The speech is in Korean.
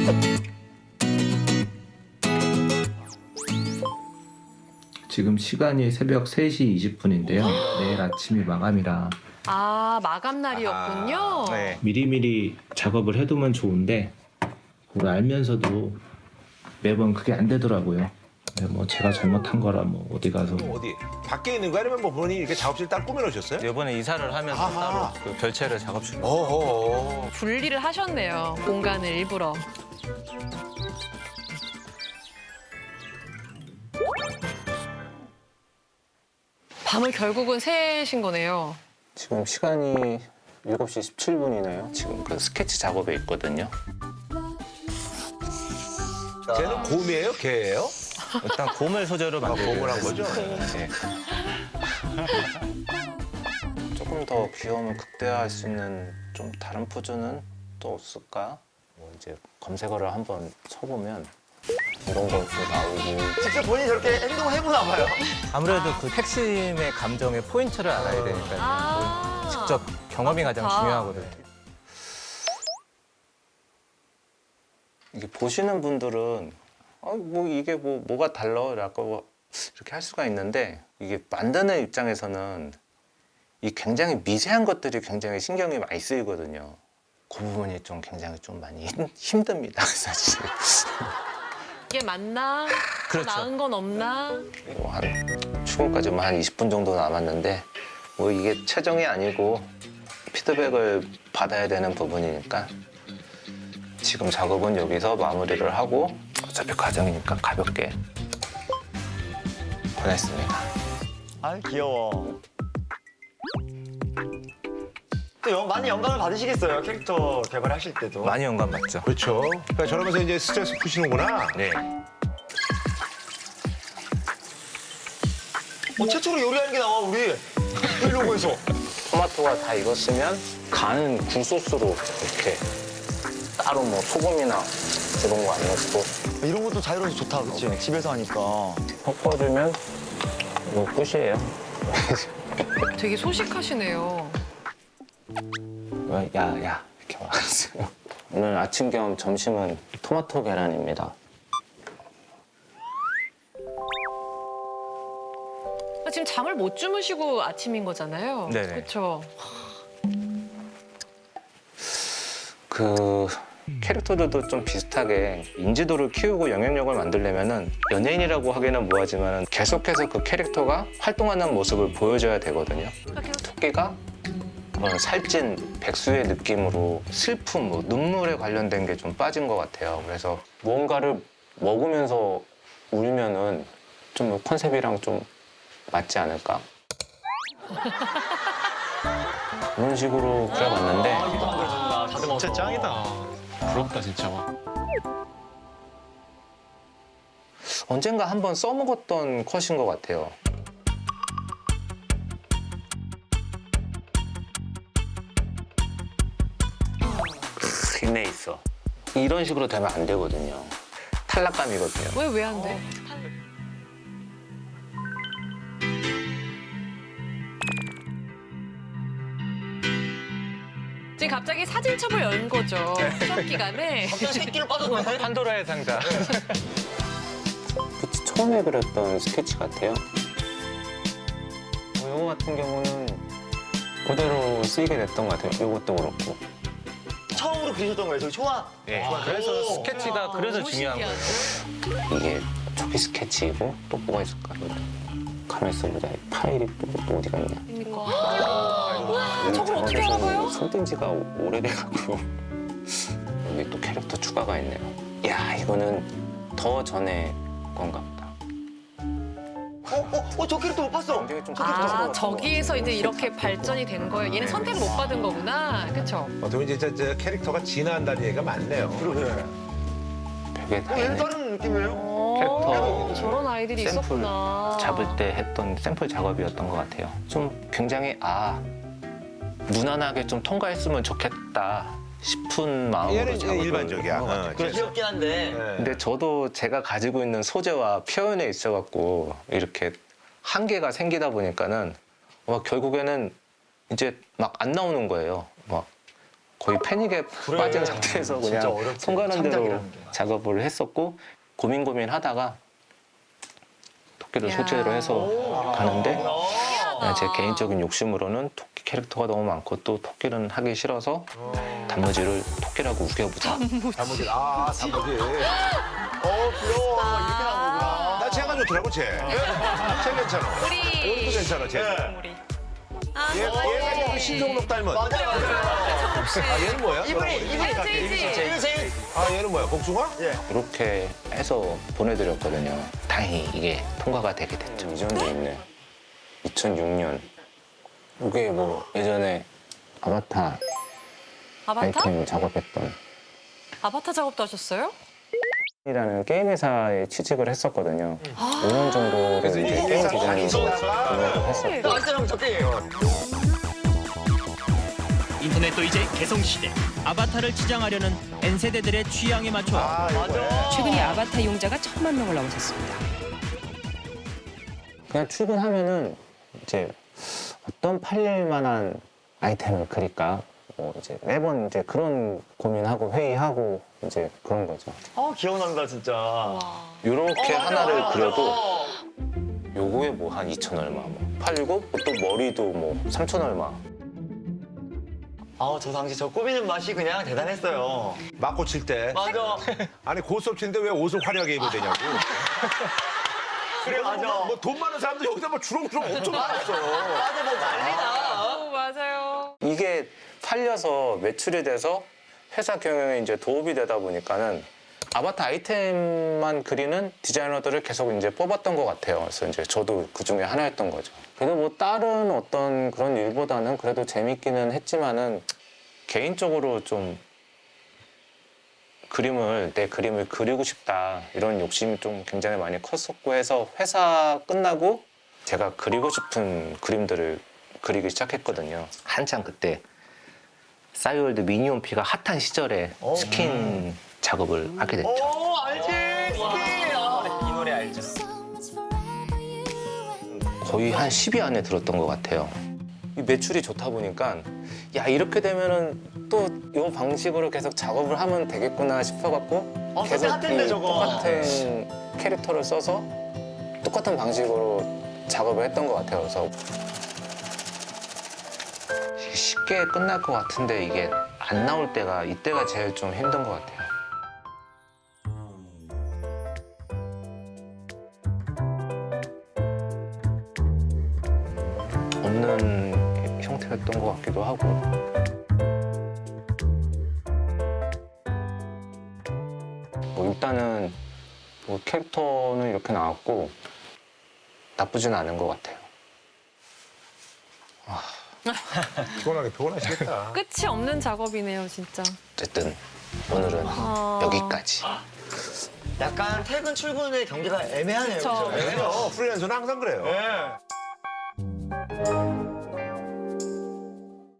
지금 시간이 새벽 3시 20분인데요. 내일 아침이 마감이라 아, 마감 날이었군요. 네. 미리미리 작업을 해두면 좋은데 그걸 알면서도 매번 그게 안 되더라고요. 근데 뭐 제가 잘못한 거라 뭐 어디 가서 어디? 밖에 있는 거 아니면 뭐 본인이 이렇게 작업실 딱 꾸며놓으셨어요? 이번에 이사를 하면서 아하. 따로 그 별채를 작업실로. 어허. 분리를 하셨네요. 공간을 일부러. 밤을 결국은 새신 거네요. 지금 시간이 7시 17분이네요. 지금 그 스케치 작업에 있거든요. 쟤는 곰이에요? 개예요? 일단 곰을 소재로 아, 만들고 곰을 한 거죠? 네. 조금 더 귀여움을 극대화할 수 있는 좀 다른 포즈는 또 없을까? 뭐 이제 검색어를 한번 쳐보면 이런 것도 나오고. 직접 본인이 저렇게 행동을 해보나 봐요. 아무래도 그 핵심의 감정의 포인트를 알아야 되니까요. 아. 직접 경험이 가장 아. 중요하거든요. 이게 보시는 분들은 뭐 이게 뭐가 달라라고 이렇게 할 수가 있는데, 이게 만드는 입장에서는 이 굉장히 미세한 것들이 굉장히 신경이 많이 쓰이거든요. 그 부분이 좀 굉장히 좀 많이 힘듭니다, 사실. 이게 맞나? 더 그렇죠. 나은 건 없나? 뭐 한 출근까지 뭐 한 20분 정도 남았는데, 뭐 이게 최종이 아니고 피드백을 받아야 되는 부분이니까 지금 작업은 여기서 마무리를 하고 어차피 과정이니까 가볍게 보냈습니다. 아 귀여워. 또 많이 영감을 받으시겠어요, 캐릭터 개발하실 때도. 많이 영감 받죠. 그렇죠. 그러니까 저러면서 이제 스트레스 푸시는구나. 네. 최초로 요리하는 게 나와 우리 브이로그에서. 토마토가 다 익었으면 간은 굴소스로 이렇게 따로 뭐 소금이나 이런 거 안 넣고 이런 것도 자유로워서 좋다, 그치? 집에서 하니까. 섞어주면 뭐 끝이에요. 되게 소식하시네요. 야야 이렇게 말했어요. 오늘 아침 겸 점심은 토마토 계란입니다. 지금 잠을 못 주무시고 아침인 거잖아요. 네네. 그렇죠. 그 캐릭터들도 좀 비슷하게 인지도를 키우고 영향력을 만들려면은 연예인이라고 하기는 뭐하지만 계속해서 그 캐릭터가 활동하는 모습을 보여줘야 되거든요. 토끼가 살찐 백수의 느낌으로 슬픔, 뭐 눈물에 관련된 게 좀 빠진 것 같아요. 그래서 무언가를 먹으면서 울면은 좀 컨셉이랑 좀 맞지 않을까? 그런 식으로 그려봤는데 진짜 짱이다. 부럽다 진짜. 언젠가 한번 써먹었던 컷인 것 같아요. 있네 있어. 이런 식으로 되면 안 되거든요. 탈락감이거든요. 왜 안 돼? 지금 갑자기 사진첩을 연 거죠. 수업 기간에. 갑자기 새끼를 빠졌네. 판도라의 상자. 그치, 처음에 그렸던 스케치 같아요. 이거 같은 경우는 그대로 쓰이게 됐던 것 같아요. 이것도 그렇고. 처음으로 그리셨던 거예요, 저기 초아. 네. 그래서 스케치가 그래서 너무 중요한 신기하네. 거예요. 이게 초기 스케치이고 또 뭐가 있을까? 가만히 있어보자. 이 파일이 또 어디가 있냐? 그러니까. 우와, 저걸 어떻게 알아봐요? 손뗀 지가 오래돼갖고 여기 또 캐릭터 추가가 있네요. 야 이거는 더 전에 건가 보다. 저 캐릭터 못 봤어. 굉장히 좀 아, 저기에서 이제 이렇게 발전이 된 거예요. 얘는 선택을 못 받은 거구나. 그렇죠? 어떻게 보면 이제 저 캐릭터가 진화한다는 얘기가 많네요. 그러게. 되게 다 얘는 있네. 다른 느낌이에요. 캐릭터 저런 아이들이 샘플 있었구나. 잡을 때 했던 샘플 작업이었던 것 같아요. 좀 굉장히 무난하게 좀 통과했으면 좋겠다 싶은 마음으로 얘는 이제 작업을 일반적이야. 한것 같아요. 그래 귀엽긴 한데. 네. 근데 저도 제가 가지고 있는 소재와 표현에 있어갖고 이렇게 한계가 생기다 보니까는 결국에는 이제 막 안 나오는 거예요. 막 거의 패닉에 빠진 상태에서 진짜 그냥 어렵지. 손 가는 대로 창작이라는 게. 작업을 했었고 고민하다가 토끼를 야. 소재로 해서 가는데 제 개인적인 욕심으로는 토끼 캐릭터가 너무 많고 또 토끼는 하기 싫어서 단무지를 토끼라고 우겨보자. 단무지. 아, 단무지. 귀여워. 이렇게 나온 거구나. 나 쟤가 좋더라고, 쟤. 쟤 괜찮아. 우리 이것도 괜찮아, 쟤. 우리. 아, 얘가 약간 신종록 닮은. 맞아. 아, 얘는 뭐야? 이분이 같아. 이분이 제일. 아, 얘는 뭐야? 복숭아? 이렇게 해서 보내드렸거든요. 다행히 이게 통과가 되게 됐죠. 이 정도 있네. 2006년. 이게 뭐 예전에 아바타 아바타? 아이템 작업했던 아바타 작업도 하셨어요? 이라는 게임 회사에 취직을 했었거든요. 5년 정도 그래서 이제 이 게임 회사 디자인으로 다니시다가 근무를 했었고 아이스랑 적게예요. 인터넷도 이제 개성시대. 아바타를 치장하려는 N세대들의 취향에 맞춰 아, 맞아. 최근에 아바타 이용자가 1,000만 명을 넘어섰습니다. 그냥 출근하면은 이제 어떤 팔릴 만한 아이템을 그릴까 뭐 이제 매번 이제 그런 고민하고 회의하고 이제 그런 거죠. 기억난다 진짜. 이렇게 하나를 맞아. 그려도 요거에 뭐 한 2천 얼마 뭐 팔리고 또 머리도 뭐 3천 얼마. 저 당시 저 꾸미는 맛이 그냥 대단했어요. 맞고 칠 때. 맞아. 아니, 고스톱 치는데 왜 옷을 화려하게 입어야 되냐고. 그래 맞아. 뭐 돈 많은 사람들 여기다 뭐 주렁주렁 엄청 많았어. 맞아 뭐 난리나. 맞아요. 이게 팔려서 매출이 돼서 회사 경영에 이제 도움이 되다 보니까는 아바타 아이템만 그리는 디자이너들을 계속 이제 뽑았던 것 같아요. 그래서 이제 저도 그 중에 하나였던 거죠. 그래도 뭐 다른 어떤 그런 일보다는 그래도 재밌기는 했지만은 개인적으로 좀 내 그림을 그리고 싶다 이런 욕심이 좀 굉장히 많이 컸었고 해서 회사 끝나고 제가 그리고 싶은 그림들을 그리기 시작했거든요. 한창 그때 싸이월드 미니홈피가 핫한 시절에 스킨 작업을 하게 됐죠. 알지. 이 노래 알죠. 거의 한 10위 안에 들었던 것 같아요. 이 매출이 좋다 보니까 야 이렇게 되면은 또 이 방식으로 계속 작업을 하면 되겠구나 싶어갖고 그때 핫했네, 이 저거. 똑같은 캐릭터를 써서 똑같은 방식으로 작업을 했던 것 같아요. 그래서 쉽게 끝날 것 같은데 이게 안 나올 때가 이때가 제일 좀 힘든 것 같아요. 없는 형태였던 것 같기도 하고. 뭐 일단은 뭐 캐릭터는 이렇게 나왔고 나쁘진 않은 것 같아요. 피곤하시겠다. 끝이 없는 작업이네요, 진짜. 어쨌든 오늘은 여기까지. 약간 퇴근 출근의 경계가 애매하네요. 그쵸. 그죠? 프리랜서는 항상 그래요. 네.